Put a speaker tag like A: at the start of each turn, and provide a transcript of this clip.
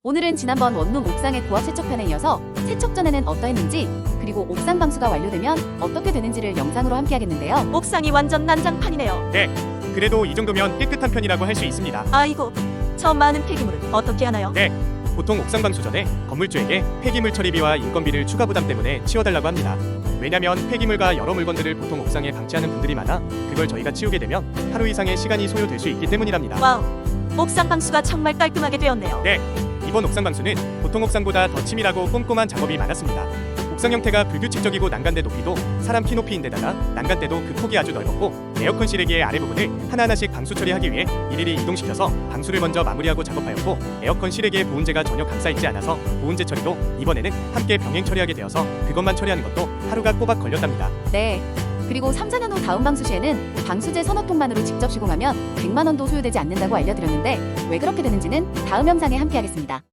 A: 오늘은 지난번 원룸 옥상의 고압 세척편에 이어서 세척 전에는 어떠했는지, 그리고 옥상 방수가 완료되면 어떻게 되는지를 영상으로 함께 하겠는데요.
B: 옥상이 완전 난장판이네요.
C: 네, 그래도 이 정도면 깨끗한 편이라고 할 수 있습니다.
B: 아이고, 저 많은 폐기물은 어떻게 하나요?
C: 네, 보통 옥상 방수 전에 건물주에게 폐기물 처리비와 인건비를 추가 부담 때문에 치워달라고 합니다. 왜냐면 폐기물과 여러 물건들을 보통 옥상에 방치하는 분들이 많아 그걸 저희가 치우게 되면 하루 이상의 시간이 소요될 수 있기 때문이랍니다.
B: 와우, 옥상 방수가 정말 깔끔하게 되었네요.
C: 네, 이번 옥상 방수는 보통 옥상보다 더 치밀하고 꼼꼼한 작업이 많았습니다. 옥상 형태가 불규칙적이고 난간대 높이도 사람 키 높이인데다가 난간대도 그 폭이 아주 넓었고, 에어컨 실외기의 아래 부분을 하나하나씩 방수 처리하기 위해 일일이 이동시켜서 방수를 먼저 마무리하고 작업하였고, 에어컨 실외기에 보온재가 전혀 감싸있지 않아서 보온재 처리도 이번에는 함께 병행 처리하게 되어서 그것만 처리하는 것도 하루가 꼬박 걸렸답니다.
A: 네. 그리고 3, 4년 후 다음 방수 시에는 방수제 서너 통만으로 직접 시공하면 100만 원도 소요되지 않는다고 알려드렸는데 왜 그렇게 되는지는 다음 영상에 함께 하겠습니다.